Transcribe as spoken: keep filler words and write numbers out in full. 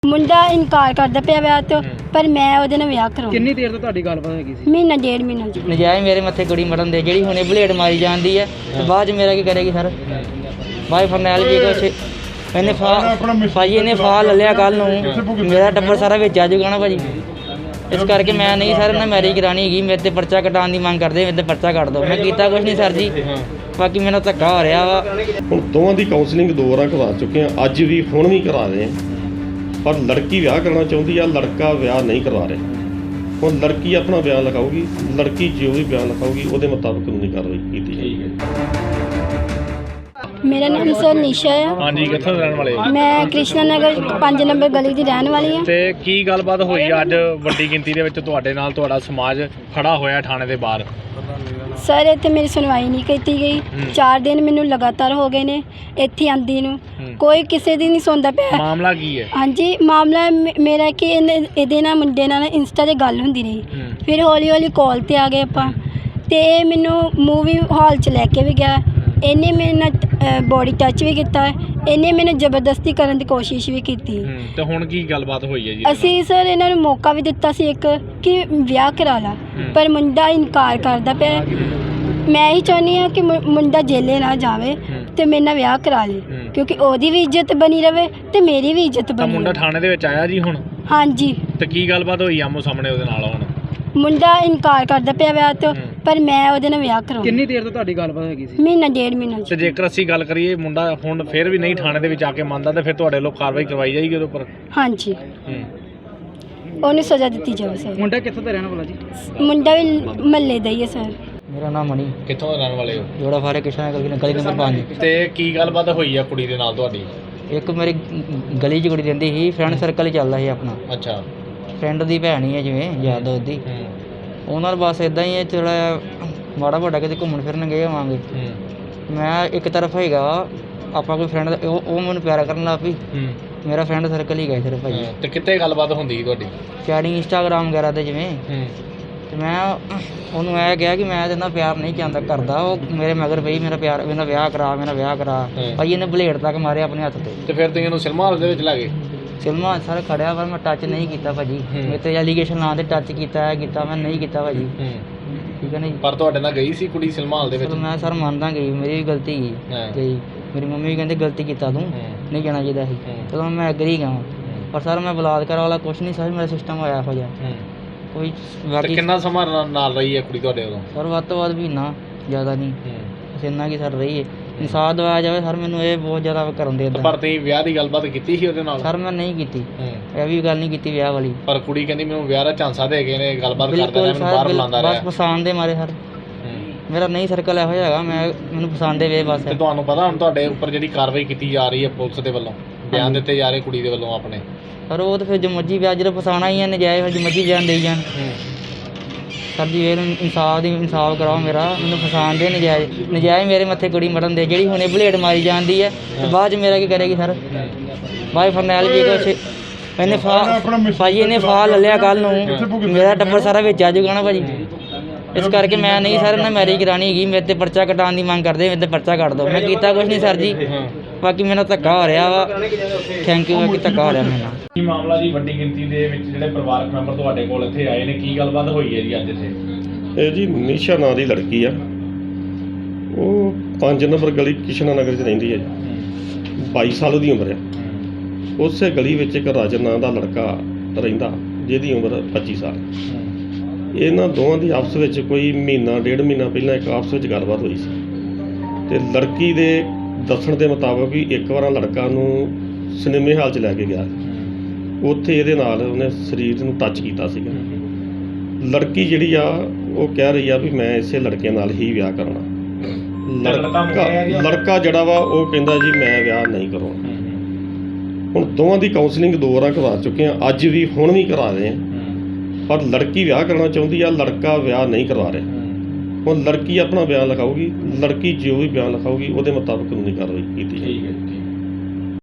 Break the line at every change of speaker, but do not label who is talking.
ਮੁੰਡਾ ਇਨਕਾਰ ਕਰਦਾ ਪਿਆ ਵਿਆਹ ਤੋਂ, ਪਰ ਮੈਂ ਉਹਦੇ ਨਾਲ ਵਿਆਹ ਕਰਾਉਣਾ।
ਕਿੰਨੀ ਦੇਰ ਤੋਂ ਤੁਹਾਡੀ ਗੱਲਬਾਤ ਹੈਗੀ ਸੀ?
ਮਹੀਨਾ ਡੇਢ ਮਹੀਨਾ ਜੀ।
ਨਜਾਇਜ਼ ਮੇਰੇ ਮੱਥੇ ਕੁੜੀ ਮਰਨ ਦੇ, ਜਿਹੜੀ ਹੁਣੇ ਬਲੇਡ ਮਾਰੀ ਜਾਂਦੀ ਹੈ ਤੇ ਬਾਅਦ ਚ ਮੇਰਾ ਕੀ ਕਰੇਗੀ ਸਰ? ਬਾਈ ਫਰਨੈਲ ਜੀ ਕੁਛ ਇਹਨੇ ਫਾ ਭਾਜੀ ਇਹਨੇ ਫਾ ਲੈ ਲਿਆ ਕੱਲ ਨੂੰ, ਮੇਰਾ ਟੱਬਰ ਸਾਰਾ ਵਿੱਚ ਆ ਜਾਊਗਾ ਨਾ ਭਾਜੀ। ਇਸ ਕਰਕੇ ਮੈਂ ਨਹੀਂ ਸਰ ਨਾ ਮੈਰਿਜ ਕਰਾਉਣੀ ਹੈਗੀ। ਮੇਰੇ ਤੇ ਪਰਚਾ ਕਟਾਉਣ ਦੀ ਮੰਗ ਕਰਦੇ, ਮੇਰੇ ਤੇ ਪਰਚਾ ਕੱਟ ਦਿਓ। ਮੈਂ ਕੀਤਾ ਕੁਛ ਨਹੀਂ ਸਰ ਜੀ, ਬਾਕੀ ਮੈਨੂੰ ਧੱਕਾ ਹੋ ਰਿਹਾ ਵਾ।
ਹੁਣ ਦੋਵਾਂ ਦੀ ਕਾਉਂਸਲਿੰਗ ਦੋ ਵਾਰਾਂ ਕਰਵਾ ਚੁੱਕੇ ਹਾਂ, ਅੱਜ ਵੀ ਹੁਣ ਵੀ ਕਰਾ ਰਹੇ ਹਾਂ। ਪਰ ਲੜਕੀ ਵਿਆਹ ਕਰਨਾ ਚਾਹੁੰਦੀ ਆ, ਲੜਕਾ ਵਿਆਹ ਨਹੀਂ ਕਰਵਾ ਰਿਹਾ। ਹੁਣ ਲੜਕੀ ਆਪਣਾ ਬਿਆਨ ਲਿਖਾਊਗੀ, ਲੜਕੀ ਜੋ ਵੀ ਬਿਆਨ ਲਿਖਾਊਗੀ ਉਹਦੇ ਮੁਤਾਬਕ ਕਾਨੂੰਨੀ ਕਾਰਵਾਈ ਕੀਤੀ ਜਾਏਗੀ।
ਮੇਰਾ ਨਾਮ ਸਰ ਨਿਸ਼ਾ ਹੈ।
ਹਾਂਜੀ, ਕਿੱਥੋਂ ਰਹਿਣ ਵਾਲੇ?
ਮੈਂ ਕ੍ਰਿਸ਼ਨਾ ਨਗਰ ਪੰਜ ਨੰਬਰ ਗਲੀ ਦੀ ਰਹਿਣ ਵਾਲੀ ਹਾਂ।
ਤੇ ਕੀ ਗੱਲਬਾਤ ਹੋਈ ਅੱਜ ਵੱਡੀ ਗਿਣਤੀ ਦੇ ਵਿੱਚ ਤੁਹਾਡੇ ਨਾਲ? ਤੁਹਾਡਾ ਸਮਾਜ ਖੜਾ ਹੋਇਆ ਥਾਣੇ ਦੇ ਬਾਹਰ।
ਸਰ ਇੱਥੇ ਮੇਰੀ ਸੁਣਵਾਈ ਨਹੀਂ ਕੀਤੀ ਗਈ। ਚਾਰ ਦਿਨ ਮੈਨੂੰ ਲਗਾਤਾਰ ਹੋ ਗਏ ਨੇ ਇੱਥੇ ਆਂਦੀ ਨੂੰ, ਕੋਈ ਕਿਸੇ ਦੀ ਨਹੀਂ ਸੁਣਦਾ ਪਿਆ।
ਮਾਮਲਾ ਕੀ ਹੈ?
ਹਾਂਜੀ, ਮਾਮਲਾ ਮੇ- ਮੇਰਾ ਕਿ ਇਹਨੇ ਇਹਦੇ ਨਾਲ ਮੁੰਡੇ ਨਾਲ ਇੰਸਟਾ 'ਤੇ ਗੱਲ ਹੁੰਦੀ ਰਹੀ। ਫਿਰ ਹੌਲੀ ਹੌਲੀ ਕਾਲ 'ਤੇ ਆ ਗਏ ਆਪਾਂ, ਅਤੇ ਇਹ ਮੈਨੂੰ ਮੂਵੀ ਹਾਲ 'ਚ ਲੈ ਕੇ ਵੀ ਗਿਆ। ਇਹਨੇ ਮੇਰੇ ਨਾਲ ਬੋਡੀ ਟੱਚ ਵੀ ਕੀਤਾ, ਇਹਨੇ ਮੈਨੂੰ ਜ਼ਬਰਦਸਤੀ ਕਰਨ ਦੀ ਕੋਸ਼ਿਸ਼ ਵੀ ਕੀਤੀ।
ਤੇ ਹੁਣ ਕੀ ਗੱਲਬਾਤ ਹੋਈ ਹੈ ਜੀ?
ਅਸੀਂ ਸਰ ਇਹਨਾਂ ਨੂੰ ਮੌਕਾ ਵੀ ਦਿੱਤਾ ਸੀ ਇੱਕ ਕਿ ਵਿਆਹ ਕਰਾ ਲਾ, ਪਰ ਮੁੰਡਾ ਇਨਕਾਰ ਕਰਦਾ ਪਿਆ। ਮੈਂ ਹੀ ਚਾਹੁੰਦੀ ਹਾਂ ਕਿ ਮੁ- ਮੁੰਡਾ ਜੇਲੇ ਨਾ ਜਾਵੇ ਤੇ ਮੇਰੇ ਨਾਲ ਵਿਆਹ ਕਰਾ ਲੇ, ਕਿਉਂਕਿ ਉਹਦੀ ਵੀ ਇੱਜ਼ਤ ਬਣੀ ਰਵੇ ਤੇ ਮੇਰੀ ਵੀ ਇੱਜ਼ਤ
ਤਾਂ
ਬਣੀ
ਮੁੰਡਾ
ਰਵੇ।
ਥਾਣੇ ਦੇ ਵਿੱਚ ਆਇਆ ਜੀ ਹੁਣ?
ਹਾਂਜੀ,
ਤੇ ਕੀ ਗੱਲਬਾਤ ਹੋਈ ਆਮੋ ਸਾਹਮਣੇ ਉਹਦੇ ਨਾਲ? ਹੁਣ
ਮੁੰਡਾ ਇਨਕਾਰ ਕਰਦਾ ਪਿਆ ਵਿਆਹ ਤੋਂ, ਪਰ ਮੈਂ ਉਹਦੇ ਨਾਲ ਵਿਆਹ ਕਰਾਉਣਾ।
ਕਿੰਨੀ ਦੇਰ ਤੋਂ ਤੁਹਾਡੀ ਗੱਲਬਾਤ ਹੈਗੀ ਸੀ?
ਮਹੀਨਾ ਡੇਢ ਮਹੀਨਾ
ਤੇ
ਜੀ।
ਜੇਕਰ ਅਸੀਂ ਗੱਲ ਕਰੀਏ ਮੁੰਡਾ ਹੁਣ ਫਿਰ ਵੀ ਨਹੀਂ ਥਾਣੇ ਦੇ ਵਿੱਚ ਆ ਕੇ ਮੰਨਦਾ, ਤੇ ਫਿਰ ਤੁਹਾਡੇ ਲੋਕ ਕਾਰਵਾਈ ਕਰਵਾਈ ਜਾਏਗੀ ਉਹਦੇ ਉੱਪਰ?
ਹਾਂਜੀ, ਉਹਨੂੰ ਸਜ਼ਾ ਦਿੱਤੀ ਜਾਵੇ ਸਰ।
ਮੁੰਡਾ ਕਿੱਥੋਂ ਦਾ ਰਹਿਣ ਵਾਲਾ ਜੀ?
ਮੁੰਡਾ ਵੀ ਮਹੱਲੇ ਦਾ ਹੀ ਹੈ ਸਰ।
ਮੇਰਾ ਨਾਮ ਮਣੀ,
ਕਿੱਥੋਂ ਰਹਿਣ ਵਾਲੇ ਹੋ?
ਜੋੜਾ ਫਾਰੇ ਕਿਸ਼ਨਾ ਗਲੀ ਗਲੀ ਨੰਬਰ ਪੰਜ।
ਤੇ ਕੀ ਗੱਲਬਾਤ ਹੋਈ ਆ ਕੁੜੀ ਦੇ ਨਾਲ ਤੁਹਾਡੀ?
ਇੱਕ ਮੇਰੀ ਗਲੀ 'ਚ ਕੁੜੀ ਰਹਿੰਦੀ ਸੀ, ਫਰੈਂਡ ਸਰਕਲ ਹੀ ਚੱਲਦਾ ਸੀ ਆਪਣਾ।
ਅੱਛਾ।
ਫਰੈਂਡ ਦੀ ਭੈਣ ਹੀ ਹੈ ਜਿਵੇਂ ਯਾਦ ਉਹਦੀ। ਉਹਨਾਂ ਨਾਲ ਬਸ ਇਦਾਂ ਹੀ ਹੈ, ਥੋੜ੍ਹਾ ਮਾੜਾ ਮੋਟਾ ਕਿਤੇ ਘੁੰਮਣ ਫਿਰਨ ਗਏ ਹੋਵਾਂਗੇ। ਮੈਂ ਇੱਕ ਤਰਫ ਹੈਗਾ ਆਪਾਂ ਕੋਈ ਫਰੈਂਡ, ਉਹ ਉਹ ਮੈਨੂੰ ਪਿਆਰਾ ਕਰਨ ਲੱਗ ਪਈ। ਮੇਰਾ ਫਰੈਂਡ ਸਰਕਲ ਹੀ ਗਏ ਸਿਰਫ ਭਾਜੀ।
ਤੇ ਕਿੱਥੇ ਗੱਲਬਾਤ ਹੁੰਦੀ ਸੀ ਤੁਹਾਡੀ?
ਚੈਟਿੰਗ ਇੰਸਟਾਗ੍ਰਾਮ ਵਗੈਰਾ 'ਤੇ ਜਿਵੇਂ। ਤੇ ਮੈਂ ਉਹਨੂੰ ਇਹ ਕਿਹਾ ਕਿ ਮੈਂ ਇਹਦੇ ਨਾਲ ਪਿਆਰ ਨਹੀਂ ਚਾਹੁੰਦਾ ਕਰਦਾ। ਉਹ ਮੇਰੇ ਮਗਰ ਪਈ, ਮੇਰਾ ਪਿਆਰ, ਮੇਰਾ ਵਿਆਹ ਕਰਾ, ਮੇਰਾ ਵਿਆਹ ਕਰਾ। ਭਾਜੀ ਇਹਨੇ ਬਲੇਡ ਤੱਕ ਮਾਰਿਆ ਆਪਣੇ ਹੱਥ 'ਤੇ।
ਤੇ ਫਿਰ ਤੁਸੀਂ ਇਹਨੂੰ ਸਿਨੇਮਾ ਹਾਲ ਦੇ ਵਿੱਚ ਲੈ ਗਏ?
ਸਿਨੇਮਾ ਸਰ ਖੜਿਆ, ਪਰ ਮੈਂ ਟੱਚ ਨਹੀਂ ਕੀਤਾ ਭਾਜੀ। ਮੇਰੇ 'ਤੇ ਐਲੀਗੇਸ਼ਨ ਨਾਂ 'ਤੇ ਟੱਚ ਕੀਤਾ ਹੈ ਕੀਤਾ ਮੈਂ ਨਹੀਂ ਕੀਤਾ ਭਾਜੀ। ਠੀਕ ਹੈ ਨਾ ਜੀ।
ਪਰ ਤੁਹਾਡੇ ਨਾਲ ਗਈ ਸੀ ਕੁੜੀ ਸਿਨੇਮਾ ਹਾਲ ਦੇ ਵਿੱਚ?
ਮੈਂ ਸਰ ਮੰਨਦਾ ਗਈ, ਮੇਰੀ ਵੀ ਗਲਤੀ ਗਈ ਗਈ। ਮੇਰੀ ਮੰਮੀ ਵੀ ਕਹਿੰਦੇ ਗਲਤੀ ਕੀਤਾ ਤੂੰ, ਨਹੀਂ ਜਾਣਾ ਚਾਹੀਦਾ ਸੀ। ਚਲੋ ਮੈਂ ਐਗਰੀ ਗਿਆ, ਪਰ ਸਰ ਮੈਂ ਬਲਾਤਕਾਰ ਵਾਲਾ ਕੁਛ ਨਹੀਂ ਸਰ, ਮੇਰਾ ਸਿਸਟਮ ਹੋਇਆ ਇਹੋ ਜਿਹਾ ਕੋਈ। ਬਾਕੀ
ਕਿੰਨਾ ਸਮਾਂ ਨਾਲ ਰਹੀ ਹੈ ਕੁੜੀ ਤੁਹਾਡੇ ਉਦੋਂ?
ਸਰ ਵੱਧ ਤੋਂ ਵੱਧ ਮਹੀਨਾ, ਜ਼ਿਆਦਾ ਨਹੀਂ, ਬਸ ਇੰਨਾ ਕੀ ਸਰ ਰਹੀ ਹੈ। ਇਨਸਾਫ ਦਿਵਾਇਆ ਜਾਵੇ ਸਰ, ਮੈਨੂੰ ਇਹ ਬਹੁਤ ਜ਼ਿਆਦਾ ਕਰਨ ਦੇ।
ਪਰ ਤੁਸੀਂ ਵਿਆਹ ਦੀ ਗੱਲਬਾਤ ਕੀਤੀ ਸੀ ਉਹਦੇ ਨਾਲ?
ਸਰ ਮੈਂ ਨਹੀਂ ਕੀਤੀ, ਇਹ ਵੀ ਗੱਲ ਨਹੀਂ ਕੀਤੀ ਵਿਆਹ ਵਾਲੀ।
ਪਰ ਕੁੜੀ ਕਹਿੰਦੀ ਮੈਨੂੰ ਵਿਆਹ ਦਾ ਝਾਂਸਾ ਦੇ ਗਏ ਨੇ, ਗੱਲਬਾਤ ਕਰਦਾ
ਬਿਲਕੁਲ
ਮੈਨੂੰ ਬਾਹਰ ਬੁਲਾਉਂਦਾ
ਸਰ,
ਰਿਹਾ।
ਬਸ ਪਸੰਦ ਦੇ ਮਾਰੇ ਸਰ। ਮੇਰਾ ਨਹੀਂ ਸਰਕਲ ਇਹੋ ਜਿਹਾ ਹੈਗਾ, ਮੈਂ ਮੈਨੂੰ ਪਸੰਦ ਦੇ ਵੇ ਬਸ।
ਤੇ ਤੁਹਾਨੂੰ ਪਤਾ ਹੁਣ ਤੁਹਾਡੇ ਉੱਪਰ ਜਿਹੜੀ ਕਾਰਵਾਈ ਕੀਤੀ ਜਾ ਰਹੀ ਹੈ ਪੁਲਿਸ ਦੇ ਵੱਲੋਂ, ਬਿਆਨ ਦਿੱਤੇ ਜਾ ਰਹੇ ਕੁੜੀ ਦੇ ਵੱਲੋਂ ਆਪਣੇ?
ਪਰ ਉਹ ਤਾਂ ਫਿਰ ਜੋ ਮਰਜ਼ੀ ਵਿਆਹ ਜਦੋਂ ਫਸਾਉਣਾ ਹੀ ਹੈ ਨਜਾਇਜ਼, ਫਿਰ ਜੋ ਮਰਜ਼ੀ ਬਿਆਨ ਦੇਈ ਜਾਣ। ਸਰ ਜੀ ਇਹ ਇਨਸਾਫ ਦੀ ਇਨਸਾਫ ਕਰਾਓ ਮੇਰਾ, ਮੈਨੂੰ ਫਸਾਉਣ ਦੇ ਨਜਾਇਜ਼, ਨਜਾਇਜ਼ ਮੇਰੇ ਮੱਥੇ ਕੁੜੀ ਮਰਨ ਦੇ, ਜਿਹੜੀ ਹੁਣੇ ਬਲੇਡ ਮਾਰੀ ਜਾਂਦੀ ਹੈ ਤੇ ਬਾਅਦ 'ਚ ਮੇਰਾ ਕੀ ਕਰੇਗੀ ਸਰ? ਬਾਈ ਫਰਨੈਲ ਜੀ ਕੁਛ ਇਹਨੇ ਫਾ ਭਾਜੀ ਇਹਨੇ ਫਾ ਲੈ ਲਿਆ ਕੱਲ ਨੂੰ, ਮੇਰਾ ਟੱਬਰ ਸਾਰਾ ਵਿੱਚ ਆ ਜਾਊਗਾ ਨਾ ਭਾਜੀ। ਇਸ ਕਰਕੇ ਮੈਂ ਨਹੀਂ ਸਰ ਨਾ ਮੈਰਿਜ ਕਰਾਉਣੀ ਹੈਗੀ। ਮੇਰੇ ਤੇ ਪਰਚਾ ਕਟਾਉਣ ਦੀ ਮੰਗ ਕਰਦੇ, ਮੇਰੇ ਤੇ ਪਰਚਾ ਕੱਟ ਦਿਓ। ਮੈਂ ਕੀਤਾ ਕੁਛ ਨਹੀਂ ਸਰ ਜੀ, ਬਾਕੀ ਮੈਨੂੰ ਧੱਕਾ ਹੋ ਰਿਹਾ ਵਾ। ਥੈਂਕ ਯੂ, ਬਾਕੀ ਧੱਕਾ ਹੋ ਰਿਹਾ ਮੇਰੇ ਨਾਲ।
ਕੀ ਮਾਮਲਾ ਜੀ? ਵੱਡੀ ਗਿਣਤੀ ਦੇ ਵਿੱਚ ਜਿਹੜੇ ਪਰਿਵਾਰਕ ਮੈਂਬਰ ਤੁਹਾਡੇ ਕੋਲ ਇੱਥੇ ਆਏ ਨੇ, ਕੀ ਗੱਲਬਾਤ ਹੋਈ ਹੈ ਜੀ ਅੱਜ ਇੱਥੇ?
ਇਹ ਜੀ ਨਿਸ਼ਾ ਨਾਂ ਦੀ ਲੜਕੀ ਆ, ਉਹ ਪੰਜ ਨੰਬਰ ਗਲੀ ਕਿਸ਼ਨਾ ਨਗਰ 'ਚ ਰਹਿੰਦੀ ਹੈ ਜੀ। ਬਾਈ ਸਾਲ ਦੀ ਉਮਰ ਆ। ਉਸੇ ਗਲੀ ਵਿੱਚ ਇੱਕ ਰਾਜਨ ਨਾਂ ਦਾ ਲੜਕਾ ਰਹਿੰਦਾ, ਜਿਹਦੀ ਉਮਰ ਪੱਚੀ ਸਾਲ। ਇਹਨਾਂ ਦੋਵਾਂ ਦੀ ਆਪਸ ਵਿੱਚ ਕੋਈ ਮਹੀਨਾ ਡੇਢ ਮਹੀਨਾ ਪਹਿਲਾਂ ਇੱਕ ਆਪਸ ਵਿੱਚ ਗੱਲਬਾਤ ਹੋਈ ਸੀ, ਅਤੇ ਲੜਕੀ ਦੇ ਦੱਸਣ ਦੇ ਮੁਤਾਬਕ ਵੀ ਇੱਕ ਵਾਰ ਲੜਕਾ ਨੂੰ ਸਿਨੇਮੇ ਹਾਲ 'ਚ ਲੈ ਕੇ ਗਿਆ, ਉੱਥੇ ਇਹਦੇ ਨਾਲ ਉਹਨੇ ਸਰੀਰ ਨੂੰ ਟੱਚ ਕੀਤਾ ਸੀਗਾ। ਲੜਕੀ ਜਿਹੜੀ ਆ ਉਹ ਕਹਿ ਰਹੀ ਆ ਵੀ ਮੈਂ ਇਸੇ ਲੜਕੇ ਨਾਲ ਹੀ ਵਿਆਹ ਕਰਨਾ। ਲੜਕਾ ਲੜਕਾ ਜਿਹੜਾ ਵਾ ਉਹ ਕਹਿੰਦਾ ਜੀ ਮੈਂ ਵਿਆਹ ਨਹੀਂ ਕਰਾਉਣਾ। ਹੁਣ ਦੋਵਾਂ ਦੀ ਕਾਉਂਸਲਿੰਗ ਦੋ ਵਾਰਾਂ ਕਰਵਾ ਚੁੱਕੇ ਹਾਂ, ਅੱਜ ਵੀ ਹੁਣ ਵੀ ਕਰਾ ਰਹੇ ਹਾਂ। ਪਰ ਲੜਕੀ ਵਿਆਹ ਕਰਨਾ ਚਾਹੁੰਦੀ ਆ, ਲੜਕਾ ਵਿਆਹ ਨਹੀਂ ਕਰਵਾ ਰਿਹਾ। ਹੁਣ ਲੜਕੀ ਆਪਣਾ ਬਿਆਨ ਲਿਖਾਊਗੀ, ਲੜਕੀ ਜੋ ਵੀ ਬਿਆਨ ਲਿਖਾਊਗੀ ਉਹਦੇ ਮੁਤਾਬਕ ਕਾਨੂੰਨੀ ਕਾਰਵਾਈ ਕੀਤੀ ਜਾਏਗੀ।